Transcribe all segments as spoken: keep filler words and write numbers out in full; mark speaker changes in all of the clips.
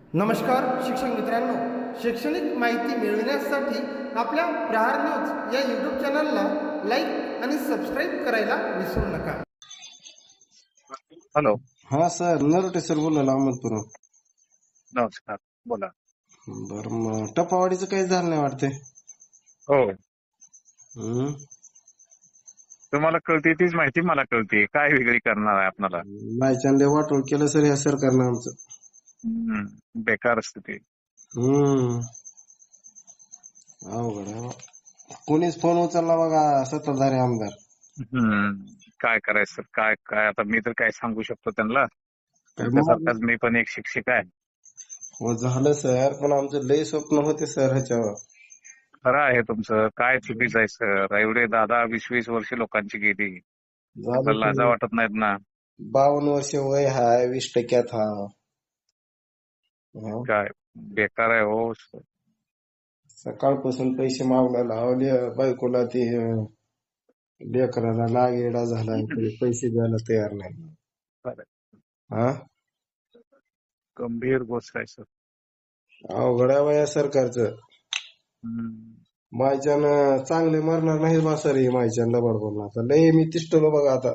Speaker 1: नमस्कार शिक्षक मित्रांनो, शैक्षणिक माहिती मिळविण्यासाठी आपल्या प्रहार न्यूज या यूट्यूब चॅनलला लाईक आणि सबस्क्राईब करायला विसरू नका.
Speaker 2: हॅलो.
Speaker 3: हा सर, नरोटे सर बोलायला अहमदपूर.
Speaker 2: नमस्कार, बोला.
Speaker 3: बर, मग टपावाडीचं काही झालं नाही वाटते.
Speaker 2: हो,
Speaker 3: हम्म.
Speaker 2: तुम्हाला कळते तीच माहिती मला कळते, काय वेगळी करणार आहे आपल्याला.
Speaker 3: बायचांदे वाटोळ केलं सर या सरकारनं आमचं.
Speaker 2: हम्म, बेकार असते ते.
Speaker 3: हम्म अवघड आहे बा. कोणीच फोन उचलला बघा सत्ताधारी आमदार.
Speaker 2: हम्म, काय करायचं, काय काय आता मी तर काय सांगू शकतो त्यांना.
Speaker 3: काय
Speaker 2: तुमच्यासारखाच मी पण एक शिक्षक आहे.
Speaker 3: हो झालं सर, पण आमचं लय स्वप्न होते सर ह्याच्यावर.
Speaker 2: खरं आहे तुमचं, काय चुकीचं आहे सर. एवढे दादा वीस वीस वर्ष लोकांची गेली,
Speaker 3: झालं
Speaker 2: आपल्याला लाजा
Speaker 3: सर.
Speaker 2: वाटत नाहीत ना.
Speaker 3: बावन्न वर्ष वय हाय, वीस टक्क्यात हा. हा.
Speaker 2: काय बेकार आहे हो.
Speaker 3: सकाळपासून पैसे मागला लावले बायकोला, ते लेकराला लागेडा झाला, तरी पैसे द्यायला तयार नाही.
Speaker 2: खरं,
Speaker 3: हा,
Speaker 2: गंभीर गोष्ट आहे सर.
Speaker 3: अवघड आहे बा या सरकारचं.
Speaker 2: हम्म.
Speaker 3: मायच्यानं चांगले मरणार नाही बा सर, हे मायच्यानं लबाड बोलणार. आता लय मी तिष्ठलो बघा आता.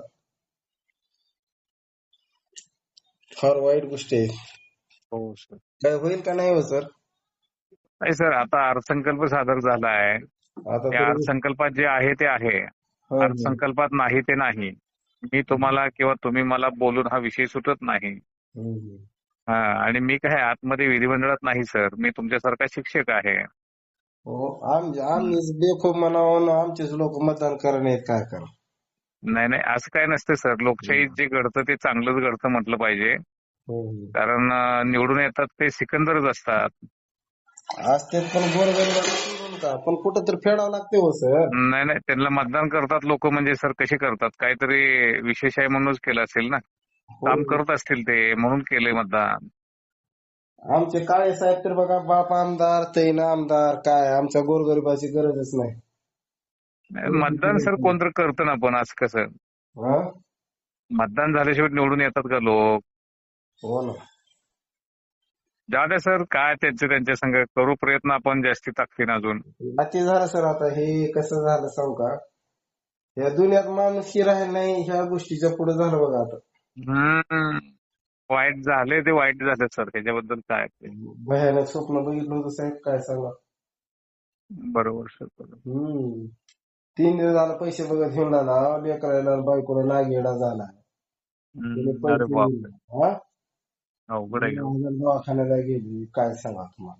Speaker 3: फार वाईट गोष्टी आहे.
Speaker 2: हो सर.
Speaker 3: काय होईल का नाही हो सर?
Speaker 2: नाही सर, आता अर्थसंकल्प सादर झाला आहे.
Speaker 3: आता
Speaker 2: त्या
Speaker 3: तरी
Speaker 2: अर्थसंकल्पात जे आहे ते आहे,
Speaker 3: हा, हा.
Speaker 2: अर्थसंकल्पात नाही ते नाही. मी तुम्हाला किंवा तुम्ही मला बोलून हा विषय सुटत नाही.
Speaker 3: हम्म.
Speaker 2: हा, आणि मी काय आतमध्ये विधिमंडळात नाही सर, मी तुमच्यासारखा शिक्षक आहे.
Speaker 3: हो, आम आम्हीच बेखूब म्हणावं, आमचेच लोक मतदान करा नाहीत, काय करा.
Speaker 2: नाही नाही, असं काय नसतं सर. लोकशाहीत जे घडतं ते चांगलंच घडतं म्हटलं पाहिजे.
Speaker 3: हम्म.
Speaker 2: कारण अं, निवडून येतात ते सिकंदरच असतात.
Speaker 3: असते पण गोरगरीब का, पण कुठं तर फेडावं लागते हो सर.
Speaker 2: नाही नाही, त्यांना मतदान करतात लोक म्हणजे सर कसे करतात, काहीतरी विशेष आहे म्हणूनच केलं असेल ना. काम
Speaker 3: हो.
Speaker 2: करत असतील ते, म्हणून केलंय मतदान.
Speaker 3: आमचे काळे साहेब तर बघा, बाप आमदार तैन आमदार, काय आमच्या गोरगरिबाची गरजच नाही.
Speaker 2: मतदान सर कोणतरी करतं ना, पण असं कसं
Speaker 3: हा,
Speaker 2: मतदान झाल्याशिवाय निवडून येतात का लोक?
Speaker 3: हो ना.
Speaker 2: जाऊ द्या सर, काय त्यांचे त्यांच्या संग करू प्रयत्न आपण जास्ती ताकदीनं अजून.
Speaker 3: बाकी झालं सर. आता हे कसं झालं सांगू का, या दुनियात माणूस ही राहील नाही, ह्या गोष्टीच्या पुढे झालं बघा आता.
Speaker 2: हम्म, वाईट झाले ते वाईट झाले सर, त्याच्याबद्दल काय ते.
Speaker 3: भयानक स्वप्न बघितलं होतं साहेब, काय सांगा.
Speaker 2: बरोबर सर, बरोबर.
Speaker 3: हम्म तीन दिवस झालं पैसे बघत घेऊन आला, लेकरायला बायकोला नागेडा झाला. त्याने
Speaker 2: हम्म, अरे
Speaker 3: पैसे
Speaker 2: बापरे,
Speaker 3: हा
Speaker 2: अवघड आहे.
Speaker 3: दोन हजार दवाखान्याला गेली, काय सांगा तुम्हाला.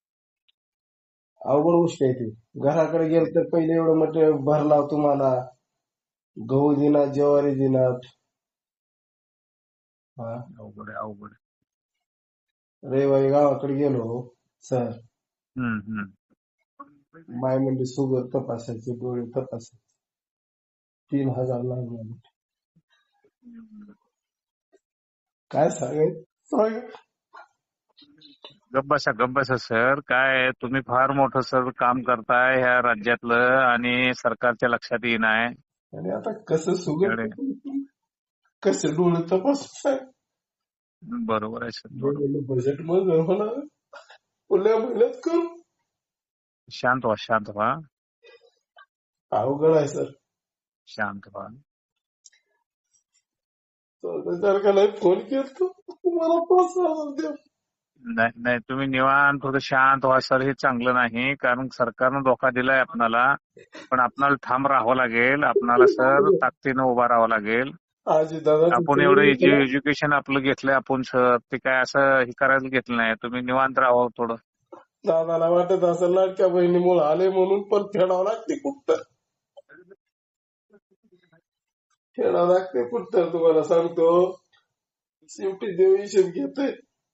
Speaker 3: अवघड गोष्ट आहे ती. घराकडे गेल तर पहिले एवढं मटेरियल भरला तुम्हाला, गहू दिनात, ज्वारी दिनात. हा,
Speaker 2: अवघड आहे, अवघड आहे.
Speaker 3: रविवारी गावाकडे गेलो सर,
Speaker 2: हम्म हम्म.
Speaker 3: माय म्हणजे शुगर तपासायचे, डोळे तपासायचे, तीन हजार लागले. काय सांगायचं सांगा.
Speaker 2: गप्प बसा, गप्प बसा सर. काय आहे, तुम्ही फार मोठं सर काम करताय ह्या राज्यातलं आणि सरकारच्या लक्षात येईन आहे.
Speaker 3: आणि आता कसं शुगर
Speaker 2: एवढे
Speaker 3: कसे डोळे तपासाय,
Speaker 2: बरोबर आहे सर, बरोबर.
Speaker 3: बजेट मध्ये होणार, पुढल्या महिन्यात करू.
Speaker 2: शांत व्हा, शांत व्हा,
Speaker 3: अवघड आहे सर.
Speaker 2: शांत व्हा.
Speaker 3: सरकारला फोन केला, तुम्हाला पाच हजार द्या.
Speaker 2: नाही नाही, तुम्ही निवांत थोडं शांत व्हा सर. हे चांगलं नाही, कारण सरकारनं धोका दिलाय आपणाला, पण आपणाला ठाम राहावं लागेल. आपणाला सर ताकदीनं उभा राहावं लागेल.
Speaker 3: आजी दादा
Speaker 2: आपण एवढं एज्युकेशन आपलं घेतलंय आपण सर, ते काय असं हे करायला घेतलं नाही. तुम्ही निवांत राहावं थोडं.
Speaker 3: दादाला वाटत असं लाडक्या बहिणीमुळे आले म्हणून, पण फेडावं लागते कुठं, फेडावं लागते कुठं. तुम्हाला सांगतो, शेवटी देव हिशेब घेतोय.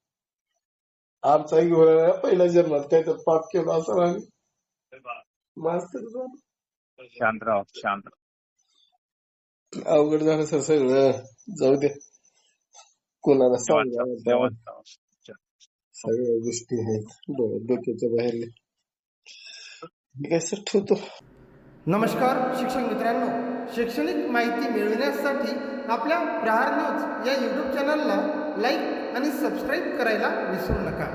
Speaker 3: आमचा घेऊन पहिल्या जन्मात काय तर पाप केलं असं आणि मास्तर झालं.
Speaker 2: शांत राहा, शांत राहा.
Speaker 3: अवघड झालं सर सगळं. जाऊ दे, कोणाला
Speaker 2: निवांत राहा,
Speaker 3: सांगा,
Speaker 2: निवांत राहा.
Speaker 3: सगळ्या गोष्टी आहेत डो- डोक्याच्या बाहेर. काय सर, ठेवतो.
Speaker 1: नमस्कार शिक्षक मित्रांनो, शैक्षणिक माहिती मिळविण्यासाठी आपल्या प्रहार न्यूज या यूट्यूब चॅनलला लाईक आणि सबस्क्राईब करायला विसरू नका.